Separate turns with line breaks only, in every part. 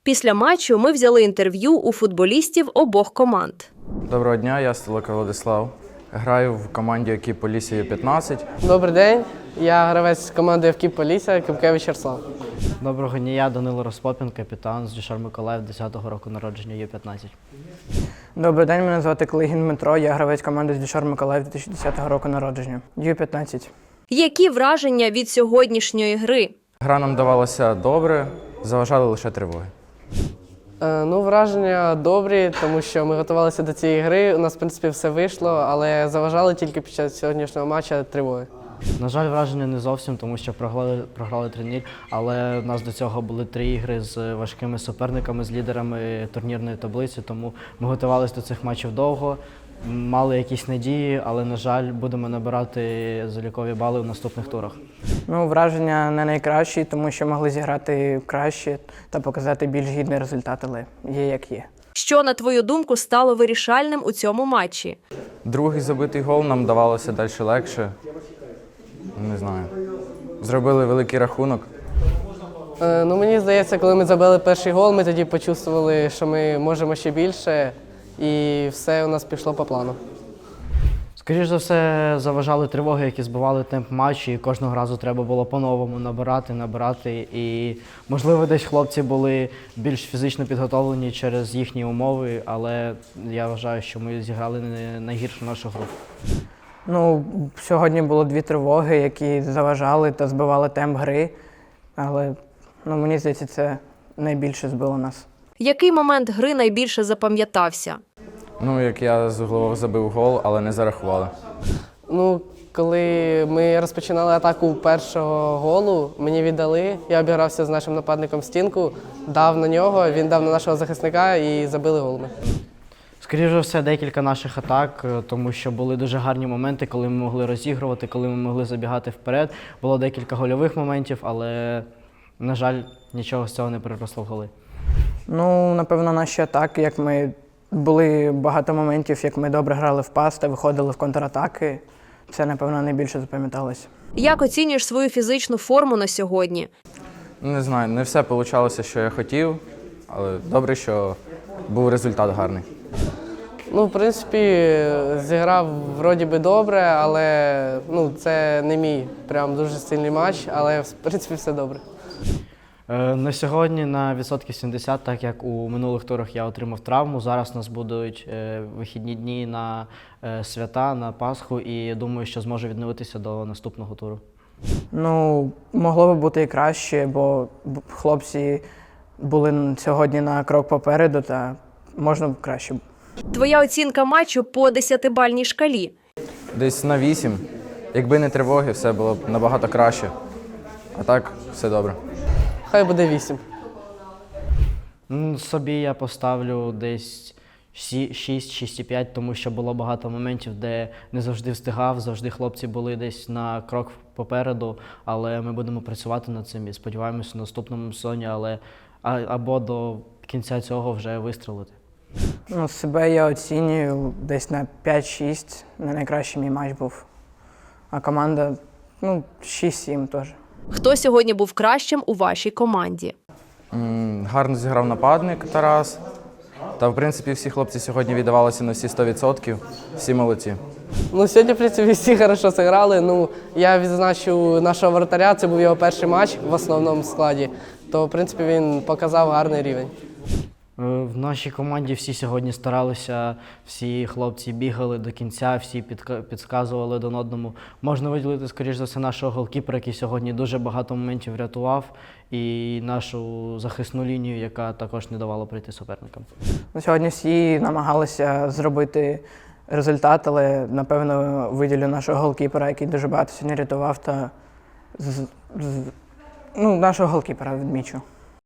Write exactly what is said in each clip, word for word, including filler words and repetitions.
Після матчу ми взяли інтерв'ю у футболістів обох команд.
Доброго дня, я Столика Владислав. Граю в команді «Екіп Полісся Ю п'ятнадцять».
Добрий день, я гравець команди «Екіп Полісся» Кипкевич Ярослав.
Доброго дня, я Данило Розпопін, капітан з Дюшар Миколаїв, десятого року народження, Ю п'ятнадцять.
Добрий день, мене звати Клигін Дмитро, я гравець команди з Дюшар Миколаїв, дві тисячі десятого року народження, Ю п'ятнадцять.
Які враження від сьогоднішньої гри?
Гра нам давалася добре, заважали лише тривоги.
Е, ну, враження добрі, тому що ми готувалися до цієї гри, у нас, в принципі, все вийшло, але заважали тільки під час сьогоднішнього матчу тривоги.
На жаль, враження не зовсім, тому що програли, програли три нуль, але в нас до цього були три ігри з важкими суперниками, з лідерами турнірної таблиці, тому ми готувалися до цих матчів довго, мали якісь надії, але, на жаль, будемо набирати залікові бали в наступних турах.
Ну, враження не найкращі, тому що могли зіграти краще та показати більш гідний результат, але є як є.
Що, на твою думку, стало вирішальним у цьому матчі?
Другий забитий гол нам давалося далі легше. Не знаю. Зробили великий рахунок.
Е, ну, мені здається, коли ми забили перший гол, ми тоді почувствували, що ми можемо ще більше, і все у нас пішло по плану.
Скоріше за все, заважали тривоги, які збивали темп матчу, і кожного разу треба було по-новому набирати, набирати. І, можливо, десь хлопці були більш фізично підготовлені через їхні умови, але я вважаю, що ми зіграли не найгіршу нашу гру.
Ну, сьогодні було дві тривоги, які заважали та збивали темп гри, але ну, мені здається, це найбільше збило нас.
Який момент гри найбільше запам'ятався?
Ну, як я з углового забив гол, але не зарахували.
Ну, коли ми розпочинали атаку першого голу, мені віддали, я обігрався з нашим нападником в стінку, дав на нього, він дав на нашого захисника і забили гол ми.
Скоріше за все, декілька наших атак, тому що були дуже гарні моменти, коли ми могли розігрувати, коли ми могли забігати вперед. Було декілька гольових моментів, але, на жаль, нічого з цього не переросло в голи.
Ну, напевно, наші атаки, як ми були багато моментів, як ми добре грали в пас та виходили в контратаки. Це, напевно, найбільше запам'яталося.
Як оцінюєш свою фізичну форму на сьогодні?
Не знаю, не все вийшло, що я хотів, але добре, що був результат гарний.
Ну, в принципі, зіграв вроді би добре, але ну, це не мій прям дуже сильний матч, але в принципі все добре.
Е, На сьогодні на відсотків сімдесят, так як у минулих турах я отримав травму, зараз у нас будуть е, вихідні дні на е, свята, на Пасху, і я думаю, що зможу відновитися до наступного туру.
Ну, могло би бути і краще, бо хлопці були сьогодні на крок попереду, та можна б краще.
Твоя оцінка матчу по десятибальній шкалі?
Десь на вісім. Якби не тривоги, все було б набагато краще. А так, все добре.
Хай буде вісім.
Ну, собі я поставлю десь шість - шість і п'ять, тому що було багато моментів, де не завжди встигав, завжди хлопці були десь на крок попереду, але ми будемо працювати над цим і сподіваємося в наступному сезоні, але а, або до кінця цього вже вистрелити.
Ну, себе я оцінюю десь на п'ять-шість, не найкращий мій матч був. А команда, ну, шість-сім теж.
Хто сьогодні був кращим у вашій команді?
М, Гарно зіграв нападник Тарас. Та, в принципі, всі хлопці сьогодні віддавалися на всі сто відсотків. Всі молодці.
Ну, сьогодні, в принципі, всі хорошо зіграли. Ну, я відзначу нашого воротаря, це був його перший матч в основному складі, то, в принципі, він показав гарний рівень.
В нашій команді всі сьогодні старалися, всі хлопці бігали до кінця, всі підка- підказували один одному. Можна виділити, скоріш за все, нашого голкіпера, який сьогодні дуже багато моментів врятував, і нашу захисну лінію, яка також не давала прийти суперникам.
Ну, сьогодні всі намагалися зробити результат, але, напевно, виділю нашого голкіпера, який дуже багато сьогодні рятував, та з, з, ну, нашого голкіпера відмічу.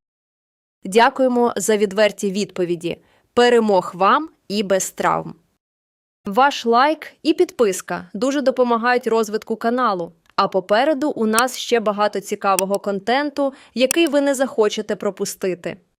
Дякуємо за відверті відповіді. Перемог вам і без травм. Ваш лайк і підписка дуже допомагають розвитку каналу. А попереду у нас ще багато цікавого контенту, який ви не захочете пропустити.